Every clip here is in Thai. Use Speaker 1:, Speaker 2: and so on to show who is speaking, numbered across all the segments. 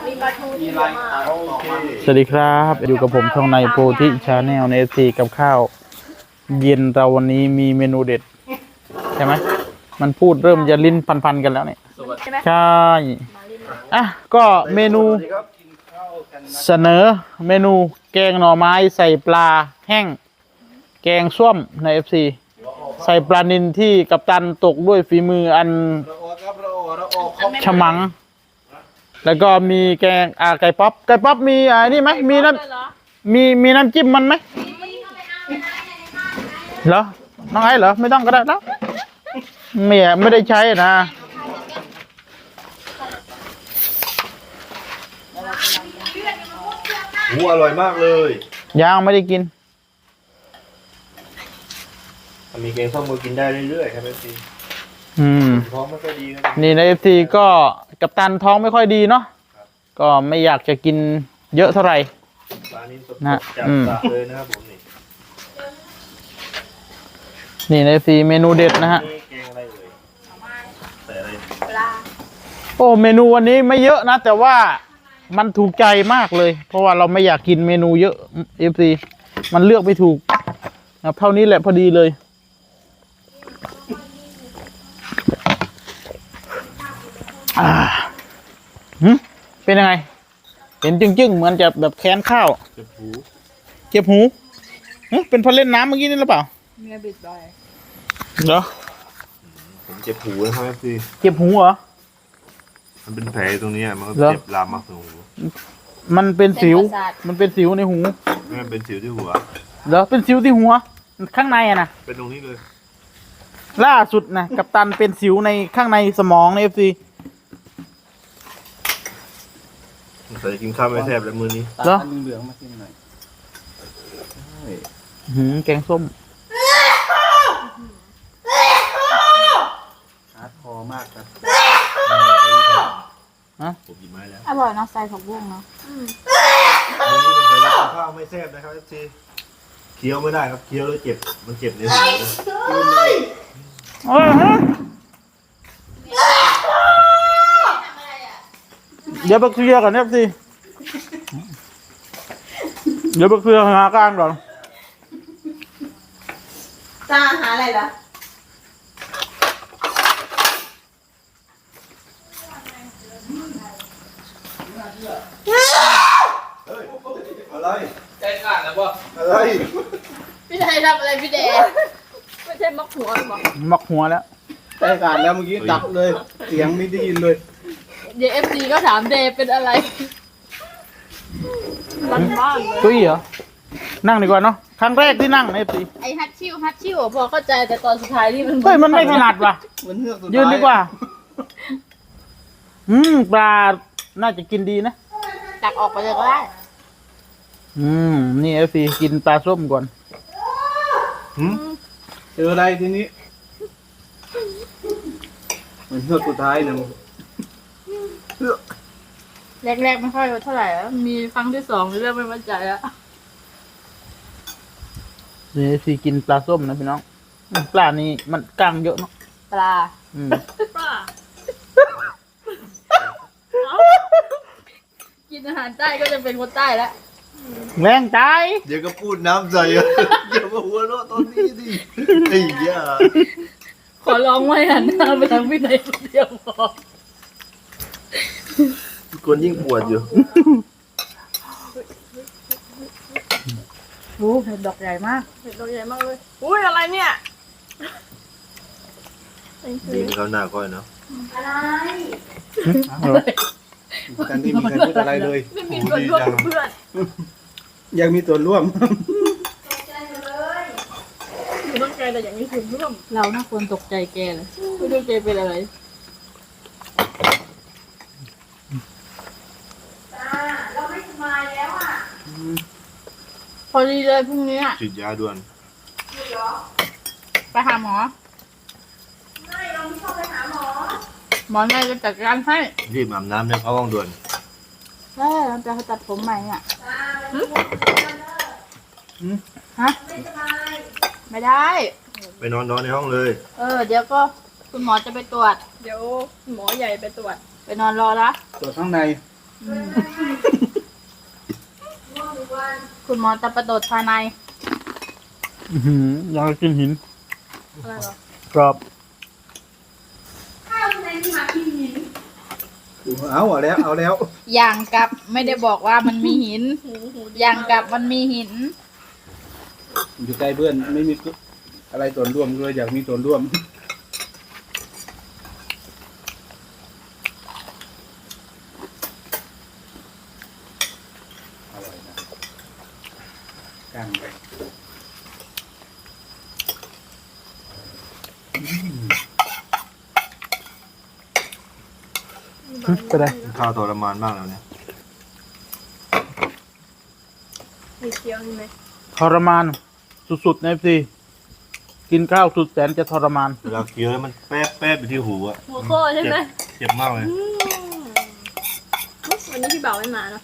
Speaker 1: มีปลาทูที่เยอะมาก
Speaker 2: โอเค
Speaker 3: สวัสดีครับอยู่กับผมช่องในโพธิชาแนลในซีกับข้าวเย็นเราวันนี้มีเมนูเด็ดใช่ไหมมันพูดเริ่มจะลิ้นพันๆกันแล้วเนี่ย
Speaker 1: ใช่ไหม
Speaker 3: ใช่อ่ะก็เมนูเสนอเมนูแกงหน่อไม้ใส่ปลาแห้งแกงส้มใน FC ใส่ปลานิลที่กัปตันตกด้วยฝีมืออันฉมัง แล้วก็มีแกงไก่ป๊อปมีนี่ไหมมีน้ำมีน้ำจิ้มมันไหมเหรอน้องไอ้เหรอไม่ต้องก็ได้แล้วไม่ได้ใช้นะ
Speaker 2: อร่อยมากเลย
Speaker 3: ยังไม่ได้กิน
Speaker 2: มีแกงส้มมือกินได้เรื่อยๆครับพี่ท้องไม่ค่อยดีครับ
Speaker 3: นี่ใน FC ก็กัปตันท้องไม่ค่อยดีเนาะก็ไม่อยากจะกินเยอะเท่าไหร่
Speaker 2: ปลานี้สดๆจากสระเลยนะครับผม
Speaker 3: นี่ใน FC เมนูเด็ดนะฮะ
Speaker 2: แกงอะไรเอ่ยใส่อะไร
Speaker 1: ปลา
Speaker 3: โอ้เมนูวันนี้ไม่เยอะนะแต่ว่ามันถูกใจมากเลยเพราะว่าเราไม่อยากกินเมนูเยอะ FC มันเลือกไม่ถูกเท่านี้แหละพอดีเลยเป็นยังไงเห็นจึ้งๆเหมือนจะแบบแค้นข้าวเจ็บหูเป็นเพราะเล่นน้ำเมื่อกี้นี่หรือเปล่า
Speaker 1: มีบิดบ่อย
Speaker 3: เหรอ
Speaker 2: ผมเจ็บหูนะครับพี่
Speaker 3: เจ็บหูเหรอ
Speaker 2: มันเป็นแผลตรงนี้มันก็เจ็บลามมาถึงหู
Speaker 3: มันเป็นสิวในหู
Speaker 2: มันเป็นสิวที่หัว
Speaker 3: เหรอเป็นสิวที่หัวข้างในอะนะ
Speaker 2: เป็นตรงนี้เลย
Speaker 3: ล่าสุดนะกัปตันเป็นสิวในข้างในสมองใน FC
Speaker 2: ใส่กินข้าวไม่แซ่บแล้วมื้อนี้
Speaker 3: เหรอ
Speaker 4: เหลืองมากินหน่อย
Speaker 3: แกงส้ม
Speaker 4: ฮาร์ดคอร์มากครับ
Speaker 2: ผมหยิบไม้แล้ว
Speaker 1: อร่อยนะใส่ผักบุ้งเนาะ
Speaker 2: มื้อนี้เป็นใส่กินข้าวไม่แซ่บนะครับทีเคี้ยวไม่ได้ครับเคี้ยวแล้วเจ็บมันเจ็บในหู
Speaker 3: เดี๋ยวไปเคลียร์ก่อนเนี่ยสิเดี๋ยวไปเคลียร์หาการก่อน
Speaker 1: จ้าหาอะไรล่ะ
Speaker 2: อะไร
Speaker 4: ใจขาดแล้วป่ะ
Speaker 2: อะไร
Speaker 1: พี่ไทยทำอะไรพี่แดงไม่ใช่มักหัวหรอ
Speaker 3: มักหัวแล้ว
Speaker 4: ใจขาดแล้วเมื่อกี้ดับเลยเสียงไม่ได้ยินเลย
Speaker 1: เดี๋ยวFCก็ถามเดย์เป็นอะไรบ้านเลย
Speaker 3: ตุ้ยเหรอนั่งดีกว่าเนาะครั้งแรกที่นั่งใน FC
Speaker 1: ไอฮัตชิวพอเข้าใจแต่ตอนสุดท้ายนี่มัน
Speaker 3: เฮ้ยมันไม่ถนัดว่ะยืนดีกว่าปลาน่าจะกินดีนะ
Speaker 1: ตักออกไปเลยก็ได้
Speaker 3: นี่ FC กินปลาส้มก่อน
Speaker 4: เจออะไรทีนี้เหมือนเฮือกสุดท้ายนะ
Speaker 1: แรกๆไม่ค่อยเท่าไหร่แล้วมีครั้งที่สองเริ่มไม่มั่นใจแล้ว
Speaker 3: นี่ FC กินปลาส้มนะพี่น้องปลานี้มันกล้างเยอะเนาะ
Speaker 1: ปลากินอาหารใต้ก็จะเป็นคนใต้แล้ว
Speaker 3: แรงใจ
Speaker 2: เดี๋ยวก็พูดน้ำใส่อย่ามาหัวเราะตอนนี้ดิไอ้เหี้ย
Speaker 1: ขอร้องไว้หันหน้าไปทางพี่ไหนคนเดียวพอ
Speaker 2: คนยิ่งปวดอยู่
Speaker 1: โอ้เห็ดดอกใหญ่มากเห็ดดอกใหญ่มากเลยอุ้ยอะไรเนี่ย
Speaker 2: ดีมีเขาหน้าก้อยเนาะ
Speaker 1: อะไร
Speaker 4: กันที่มีใครพูดอะไรเลย
Speaker 1: ไม่มีส่วนร่วมเพื่อน
Speaker 4: ยังมีส่วนร่วม
Speaker 1: ไม่ต้องใจแต่อย่างนี้ส่วนร่วมเราน่าควรตกใจแกเลยไม่รู้แกเป็นอะไรเราไม่สบายแล้วอ่ะพอดีเลยพรุ่งนี้
Speaker 2: ฉีดยาด่วน
Speaker 1: ไปหาหมอไม่เราไม่ชอบไปหาหมอหมอไงจะจัดการให้
Speaker 2: รีบอาบน้ำเนี่ยเข้าห้องด่วน
Speaker 1: เราจะตัดผมใหม่อ่ะฮะไม่ได้
Speaker 2: ไปนอนในห้องเลย
Speaker 1: เดี๋ยวก็คุณหมอจะไปตรวจเดี๋ยวหมอใหญ่ไปตรวจไปนอนรอละ
Speaker 4: ตรวจข้างใน
Speaker 1: คุณหมอจะประโดดภายใน
Speaker 3: อยากกินหิน
Speaker 1: อะไรหรอก
Speaker 3: รอบ
Speaker 4: เอาแล้วเอาแล้ว
Speaker 1: อย่างกับไม่ได้บอกว่ามันมีหิน อย่างกับมันมีหิน
Speaker 4: อยู่ใกล้เพื่อนไม่มีอะไรส่วนร่วมเลยอยากมีส่วนร่วมอร่อยนะกลางไป
Speaker 3: ก็ได้
Speaker 2: ข้าวทรมานมากแล้วเนี่ย
Speaker 1: มีเคี้ยวนี่ไหม
Speaker 3: ทรมานสุดๆในพี่กินข้าวสุดแสนจะทรมาน
Speaker 2: เวลาเคี้ยวแล้วมันแป๊บแป๊บไปที่หูอะ
Speaker 1: หัวโค้ใช่ไหม
Speaker 2: เจ็บมากเลย
Speaker 1: วันนี้พี่บ่าวไม่มาเนาะ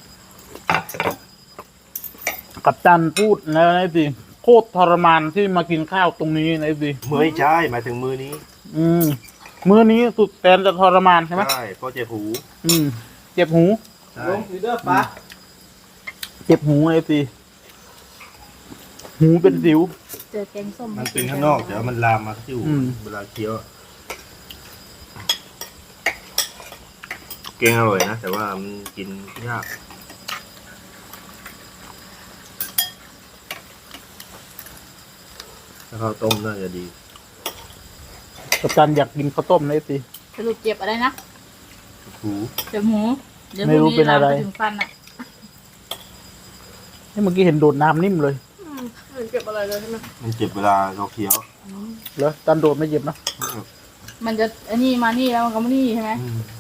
Speaker 3: กับจันพูดแล้วนะพี่โคตรทรมานที่มากินข้าวตรงนี้นะพี่
Speaker 2: ไม่ใช่หมายถึงมือนี้
Speaker 3: มื้อนี้สุดแสนจะทรมานใช่ไหม
Speaker 2: ใช่เพราะเจ็บหู
Speaker 3: เจ็บหู
Speaker 2: ใช่
Speaker 4: ลงลีเดอร์ฟ้า
Speaker 3: เจ็บหูไอ้พี่หูเป็นสิว
Speaker 1: เจอแกงส้ม
Speaker 2: มันเป็นข้างนอกแต่ว่ามันลามมาที่หู เวลาเคี้ยวอะแกงอร่อยนะแต่ว่ามันกินยากถ้าข้าวต้มน่าจะดี
Speaker 3: กับจันอยากกินข้าวต้มนะไอ้พี่
Speaker 1: สรุปเจ็บอะไรนะ
Speaker 2: หู
Speaker 1: เจ็บหูเดี๋ยว
Speaker 3: ไม่รู้เป็นอะไร
Speaker 1: พรุ่งลามปถึงฟันอ่ะ
Speaker 3: เมื่อกี้เห็นโดดน้ำนิ่มเลย
Speaker 1: เจ็บอะไรเลยใช่ไหม
Speaker 2: มันเจ็บเวลาเราเคี้ยว
Speaker 3: แล้วจันโดดไม่เจ็บนะ
Speaker 1: มันจะอันนี้มานี่แล้วมันก็มานี่ใช่ไหม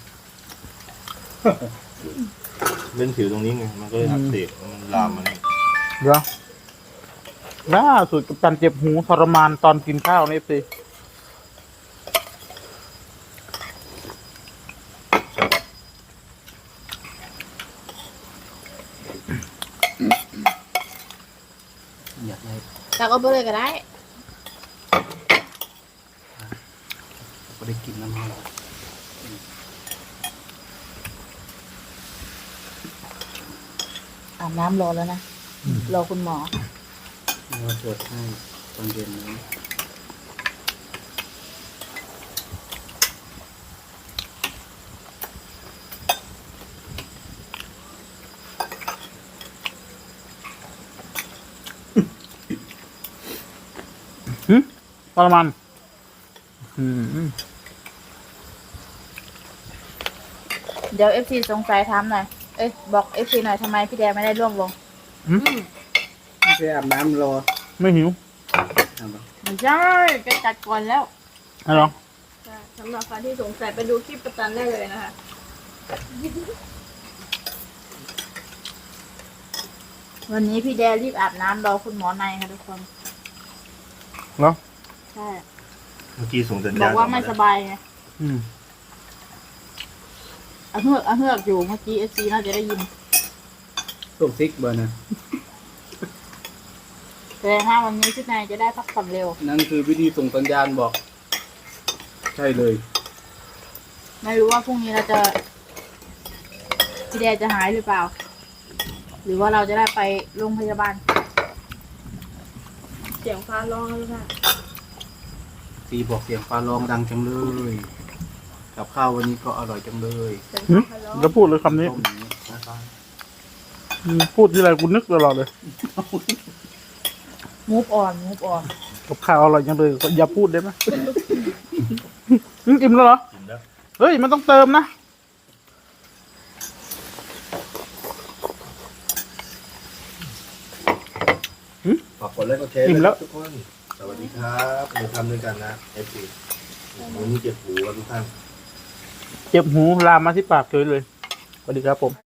Speaker 2: เล่นผิวตรงนี้ไงมันก็เลยอักเสบมันลามมานี่
Speaker 3: เหรอล่าสุดกับจันเจ็บหูทรมานตอนกินข้าวนี่สิ
Speaker 4: อยากได้
Speaker 1: แต่ก็ไปเลยก็ได้
Speaker 4: ก็ได้กินน้ำมัน
Speaker 1: อาบน้ำรอแล้วนะ รอคุณหมอ
Speaker 4: เราตรวจให้ตอนเย็นนี้
Speaker 3: ทรมาน
Speaker 1: เดี๋ยว FC สงสัยถามหน่อย เอ้ยบอก FC หน่อยทำไมพี่แดงไม่ได้ร่วมวง
Speaker 4: ไม่ใช่อาบน้ำรอ
Speaker 3: ไม่หิว
Speaker 4: อาบน้
Speaker 1: ไม่ใช่แกจัดก่อนแล้ว
Speaker 3: อะไรหรอ
Speaker 1: สำหรับใครที่สงสัยไปดูคลิปประจันได้เลยนะคะ วันนี้พี่แดรีบอาบน้ำรอคุณหมอในค่ะทุกคน
Speaker 3: เหรอ
Speaker 1: ใช่
Speaker 2: เมื่อกี้ส่งสัญ
Speaker 1: บ
Speaker 2: ญา
Speaker 1: อ
Speaker 2: ณ
Speaker 1: กว่าไม่สบายไงอะเฮือกอยู่เมื่อกี้ FC น่าจะได้ยิน
Speaker 4: ำต้มซิกเบอร์นะ
Speaker 1: แต่ถ้าวันนี้พี่นายจะได้พักผ่อนเร็ว
Speaker 4: นั่นคือวิธีส่งสัญญาณบอก ใช่เลย
Speaker 1: ไม่รู้ว่าพรุ่งนี้เราจะพี่แดจะหายหรือเปล่า หรือว่าเราจะได้ไปโรงพยาบาล เสียงฟ้าร้องแล้วค่ะ
Speaker 4: ตีบอกเสียงฟ้าร้องดังจังเลย กับข้าววันนี้ก็อร่อยจังเลย
Speaker 1: เสียง
Speaker 3: หึ
Speaker 1: ฟ้าร้อง
Speaker 3: แล้วพูดเลยคำนี้
Speaker 4: ต้มอย่างนี้นะครับ
Speaker 3: พูดที่ไรกูนึกตลอดเลย
Speaker 1: มูฟอ่อน
Speaker 3: กับข้าวอร่อยจังเลยอย่าพูดได้ไหม อิ่มแล้วเหรอ
Speaker 2: กินแล้ว
Speaker 3: เฮ้ย มันต้องเติมนะ
Speaker 2: ฝากกดไลค์กดแชร์
Speaker 3: อิ่มแล้ว
Speaker 2: ทุกคน สวัสดีครับเราทำด้วยกันนะเอฟซีวันนี้เจ็บหูครับทุกท่าน
Speaker 3: เจ็บหูลามมาที่ปากเฉยเลย สวัสดีครับผม